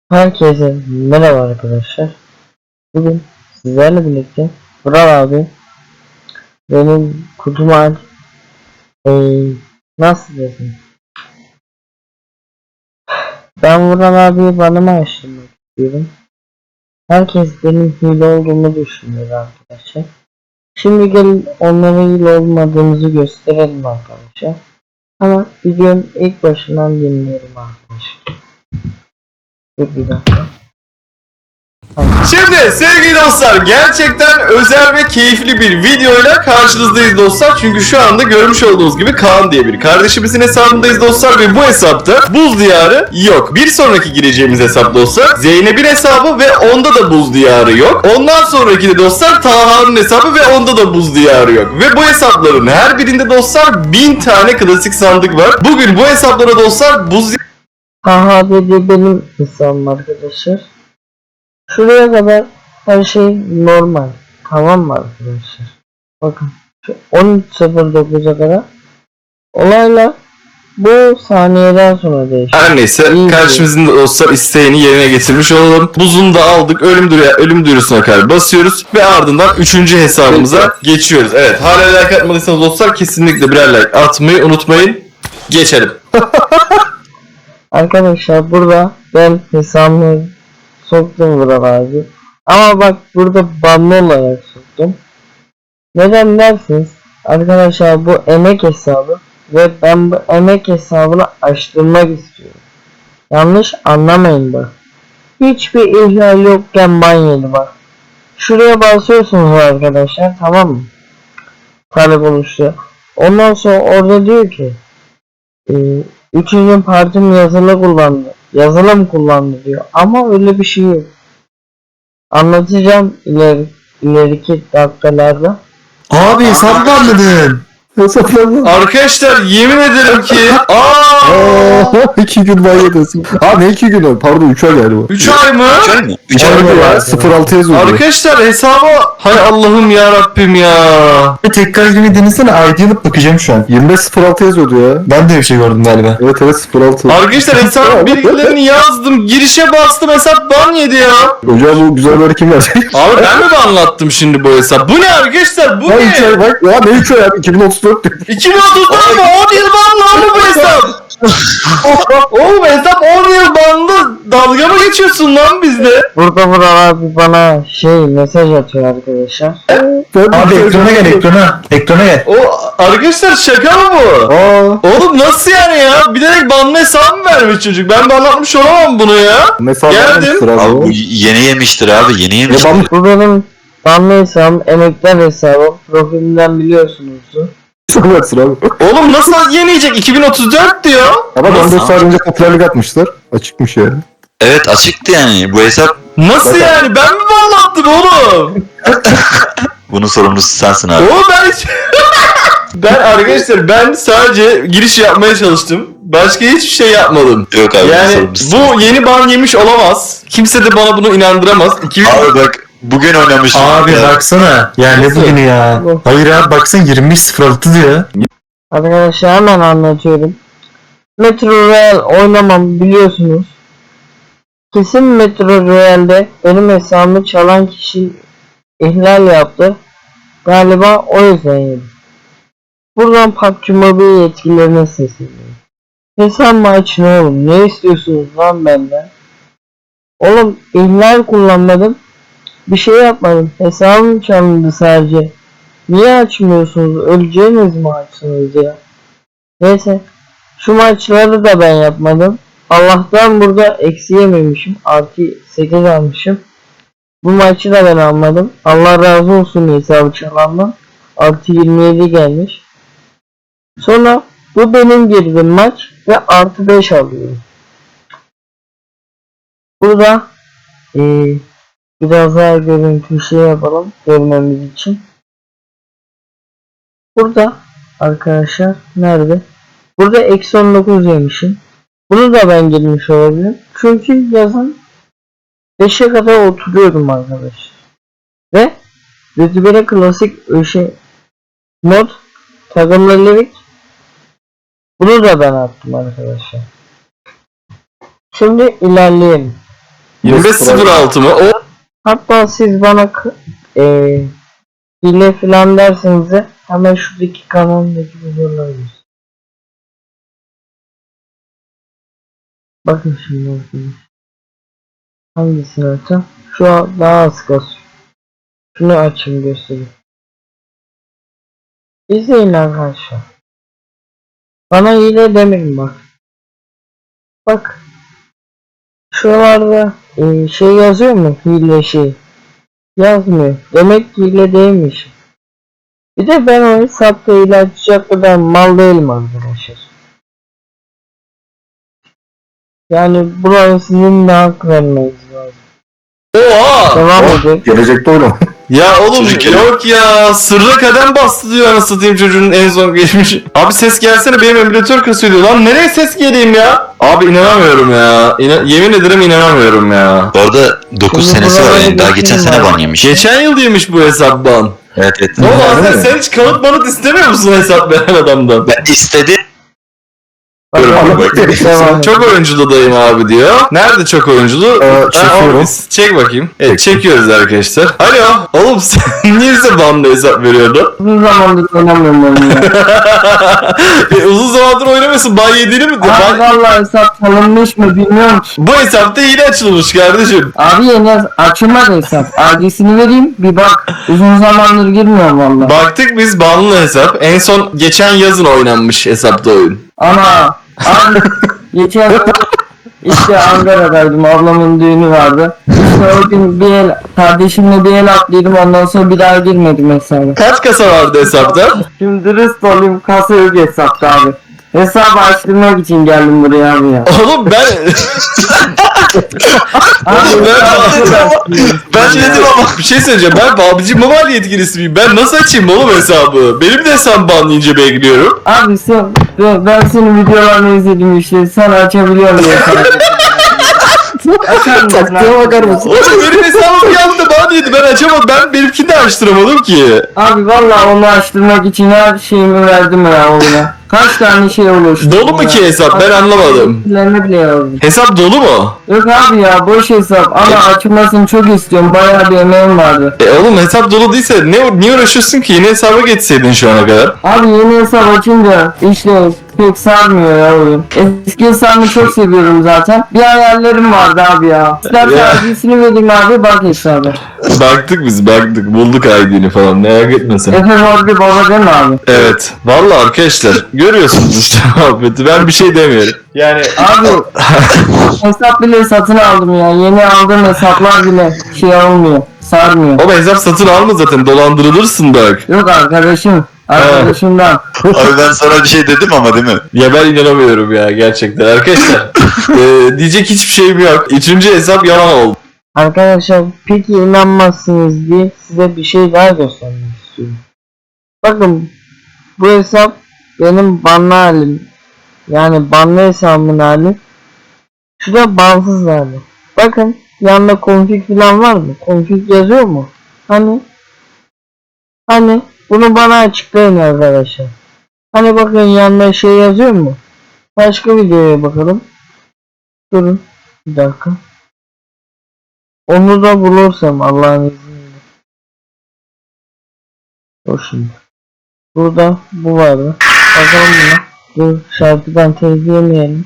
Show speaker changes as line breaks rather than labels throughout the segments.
Herkese merhaba arkadaşlar. Bugün sizlerle birlikte Vural abi benim kutuma nasıl desem, ben Vural abiye banımı açtırmak istiyorum. Herkes benim hile olduğumu düşünüyor arkadaşlar. Şimdi gelin onlara hile olmadığımızı gösterelim arkadaşlar. Ama videonun ilk başından dinleyelim arkadaşlar. Bir dakika.
Şimdi sevgili dostlar, gerçekten özel ve keyifli bir videoyla karşınızdayız dostlar. Çünkü şu anda görmüş olduğunuz gibi Kaan diye bir kardeşimizin hesabındayız dostlar ve bu hesapta buz diyarı yok. Bir sonraki gireceğimiz hesap dostlar Zeynep'in hesabı ve onda da buz diyarı yok. Ondan sonraki de dostlar Taha'nın hesabı ve onda da buz diyarı yok. Ve bu hesapların her birinde dostlar 1000 tane klasik sandık var. Bugün bu hesaplara dostlar buz
Haha dedi benim hesabım arkadaşlar. Şuraya kadar her şey normal. Tamam mı arkadaşlar? Bakın şu 13.09'a kadar olaylar bu saniyeden sonra değişiyor.
Her neyse karşımızın dostlar isteğini yerine getirmiş olalım. Buzunu da aldık. Ölüm duyurusuna kadar basıyoruz ve ardından 3. hesabımıza geçiyoruz. Evet, hala like atmadıysanız dostlar kesinlikle birer like atmayı unutmayın. Geçelim.
Arkadaşlar burada ben hesabımı soktum Vural abi. Ama bak burada banlı olarak soktum. Neden dersiniz? Arkadaşlar bu emek hesabı ve ben bu emek hesabını açtırmak istiyorum. Yanlış anlamayın bak. Hiçbir ihlal yokken ban yedi bak. Şuraya basıyorsunuz arkadaşlar, tamam mı? Talep oluşuyor. Ondan sonra orada diyor ki 3. partim yazılım kullandı diyor. Ama öyle bir şey yok. Anlatacağım ileriki dakikalarda.
Abi hesabı banladın. Hesapladın.
Arkadaşlar yemin ederim ki
2 gün banladın. Ne 2 gün o? Pardon 3 ay galiba.
3 ay mı?
3 ay mı ya? 06 yazıyor.
Arkadaşlar hesaba hay Allah'ım ya Rabbim ya.
Tekrar gibi denesene, ID alıp bakacağım şu an. 25.06 yazıyordu ya. Ben de bir şey gördüm galiba. Evet 06.
Arkadaşlar hesap bilgilerini yazdım, girişe bastım, hesap ban yedi ya.
Hocam bu güzel bir kim verecek?
Abi ben mi anlattım şimdi bu hesap? Bu ne arkadaşlar? Bu
Ya 3
ne?
ay bak ya, ne 3 ay abi 2034 diyor.
2030'da mı? 10 yıl banlı mı bu hesap? Oğlum hesap 10 yıl banlı. Dalga mı geçiyorsun lan bizde?
Burada Vural abi bana mesaj atıyor arkadaşlar.
Abi ekrana gel, ekrana gel.
O arkadaşlar şaka mı bu? Oğlum nasıl yani ya? Bilerek banlı hesap mı vermiş çocuk? Ben banlatmış olamam bunu ya.
Mesela
Geldim.
Abi bu yeni yemiştir abi, yeni yemiştir.
Bu benim banlı hesabım, emekler hesabım. Profilimden biliyorsunuzdur.
abi.
Oğlum nasıl yeniyecek? 2034 diyor.
Ama
Nasıl?
14 saat önce popülerlik atmışlar. Açıkmış ya.
Evet, açıktı yani bu hesap.
Nasıl yani? Ben mi banlattım oğlum?
Bunun sorumlusu sensin abi.
Oğlum ben arkadaşlar ben sadece giriş yapmaya çalıştım. Başka hiçbir şey yapmadım.
Yok abi, bunun
Yani
sorumlusu.
bu yeni ban yemiş olamaz. Kimse de bana bunu inandıramaz.
Abi bak bugün oynamıştım.
Abi
ya.
baksana. Ya ne
Nasıl?
bugünü ya?
Bu.
Hayır abi baksana 25.06 diyor.
Arkadaşlar hemen anlatıyorum. Metro Royal oynamam biliyorsunuz. Kesin Metro Royal'de benim hesabımı çalan kişi ihlal yaptı. Galiba o yüzden yedim. Buradan PUBG Mobile yetkililerine sesleniyorum. Hesabımı açın oğlum. Ne istiyorsunuz lan benden? Oğlum ihlal kullanmadım. Bir şey yapmadım. Hesabım çalındı sadece. Niye açmıyorsunuz? Öleceğiniz mi açsınız ya? Neyse. Şu maçları da ben yapmadım. Allah'tan burada eksi yememişim. Artı 8 almışım. Bu maçı da ben almadım. Allah razı olsun hesabı çalandan. Artı 27 gelmiş. Sonra bu benim girdiğim maç ve artı 5 alıyorum. Burada biraz daha görüntü yapalım görmemiz için. Burada arkadaşlar nerede? Burada eksi 19 yemişim. Bunu da ben girmiş olabilirim. Çünkü yazın 5'e kadar oturuyordum arkadaşlar. Ve rütbeli klasik mod takımlılık. Bunu da ben attım arkadaşlar. Şimdi ilerleyelim.
25.06 mı? O
Hatta siz bana hile falan derseniz de hemen şuradaki kanalımdaki videoları göstereyim. Bakın şimdi arkadaşlar. Hangisini açacağım? Şu an daha az kasıyor. Şunu açayım göstereyim. İzleyin arkadaşlar. Bana hile demeyin bak. Bak. Şuralarda şey yazıyor mu? Hile şey. Yazmıyor. Demek ki hile değilmiş. Bir de ben o hesapta hile açacak kadar mal değilim arkadaşlar. Yani buraya sizin de hak vermeniz lazım.
Oha!
Devam edelim.
Gelecekte oynama.
Ya oğlum
Çocuk
yok ya, sırra kadem bastı diyor anasını satayım çocuğun en son geçmiş. Abi ses gelsene, benim emülatör kasıyor diyor. Lan nereye ses geleyim ya? Abi inanamıyorum ya. Yemin ederim inanamıyorum ya.
Bu arada 9
Şimdi
senesi var
buralara
yani. Daha geçen
geçeyim
sene
abi.
ban yemiş.
Geçen yıl yemiş bu hesap ban.
Evet evet.
Ne oldu
Öyle
Hasan,
mi?
sen hiç kanıt manıt istemiyor musun hesap veren adamdan?
Ben istedim.
Bakalım.
Bak,
Devam edelim.
Çok oyunculu dayım abi diyor. Nerede çok oyunculu?
Çekiyorum.
Çek bakayım. Evet, çekiyoruz arkadaşlar. Alo. Oğlum sen niye bize banlı hesap veriyordun?
Uzun zamandır oynamıyorum oyunu ya.
Uzun zamandır oynamıyorsun. Ban yediğini mi?
Abi vallahi hesap tanınmış mı bilmiyorum ki.
Bu hesapta hile açılmış kardeşim.
Abi yeni açılmadı hesap. Adresini vereyim bir bak. Uzun zamandır girmiyorum vallahi.
Baktık biz banlı hesap. En son geçen yazın oynanmış hesapta oyun.
Ana abi geçen işte Ankara'daydım, ablamın düğünü vardı. İşte o gün bir el kardeşimle bir el atlaydım, ondan sonra bir daha girmedim hesaba.
Kaç kasa vardı hesapta?
Şimdi dürüst olayım, kasa yok hesapta abi. Hesabı açtırmak için geldim buraya abi ya.
Oğlum ben...
Abi
Ben dedim ama bir şey söyleyeceğim. Ben PUBG Mobile yetkilisi miyim? Ben nasıl açayım oğlum hesabı? Benim de hesabım banlayınca bekliyorum.
Abi ben senin videolarını izledim işte, sen açabiliyorsun diye sana. Açar mısın?
Taktiğe bakar mısın?
Oğlum benim hesabım yandı ban yedi. Ben açamadım. Ben benimkini de açtıramadım ki.
Abi vallahi onu açtırmak için her şeyimi verdim ya oyuna. Kaç tane şey oluştu.
Dolu mu ki hesap? Ben anlamadım.
Bilgilerini bile yazdım.
Hesap dolu mu?
Yok abi ya, boş hesap ama açılmasını çok istiyorum. Bayağı bir emeğim vardı.
Oğlum hesap dolu değilse niye uğraşıyorsun ki? Yeni hesaba geçseydin şu ana kadar.
Abi yeni hesap açınca işte pek sarmıyor ya oyun. Eski hesabımı çok seviyorum zaten. Bir hayallerim vardı abi ya. İstersen
Ya.
adresini vereyim abi, bak hesabı.
Baktık bulduk ID'ni falan, merak etme sen.
Efe var bir baba değil mi abi?
Evet. Vallahi arkadaşlar görüyorsunuz işte muhabbeti. Ben bir şey demiyorum. Yani
Abi hesap bile satın aldım ya. Yeni aldığım hesaplar bile şey olmuyor. Sarmıyor.
o hesap satın alma zaten, dolandırılırsın bak.
Yok arkadaşım. Arkadaşımdan.
Abi ben sana bir şey dedim ama değil mi?
Ya ben inanamıyorum ya gerçekten arkadaşlar. Diyecek hiçbir şeyim yok. Üçüncü hesap yalan oldu.
Arkadaşlar peki inanmazsınız diye size bir şey daha göstermek istiyorum. Bakın bu hesap benim banlı halim. Yani banlı hesabımın hali. Şu da bansız hali. Bakın yanında config falan var mı? Config yazıyor mu? Hani bunu bana açıklayın arkadaşlar. Hani bakın yanında şey yazıyor mu? Başka videoya bakalım. Durun bir dakika. Onu da bulursam Allah'ın izniyle. Dur şimdi. Burada bu vardı. Bakalım buna. Dur şarkıdan tezleyemeyelim.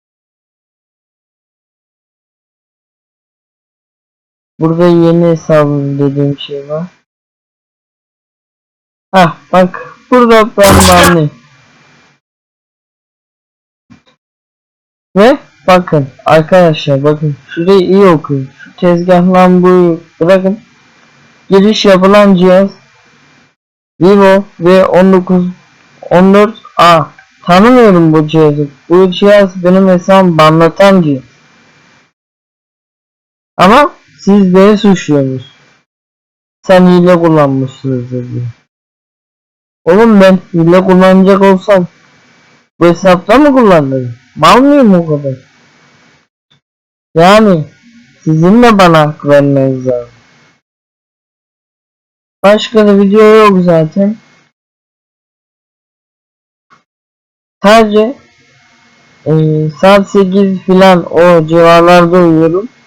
Burada yeni hesabım dediğim şey var. Hah bak burada ben banlıyım. Ve bakın arkadaşlar, bakın şurayı iyi okuyun. Şu tezgah lambayı bırakın. Giriş yapılan cihaz Vivo V1914A. Tanımıyorum bu cihazı. Bu cihaz benim hesabımı banlatan cihaz. Ama siz beni suçluyorsunuz. Sen hile kullanmışsınızdır diye. Oğlum ben hile kullanacak olsam bu hesapta mı kullanırım? Mal mıyım o kadar? Yani sizin de bana hak vermeniz lazım. Başka da video yok zaten. Sadece saat 8 filan o civarlarda uyuyorum.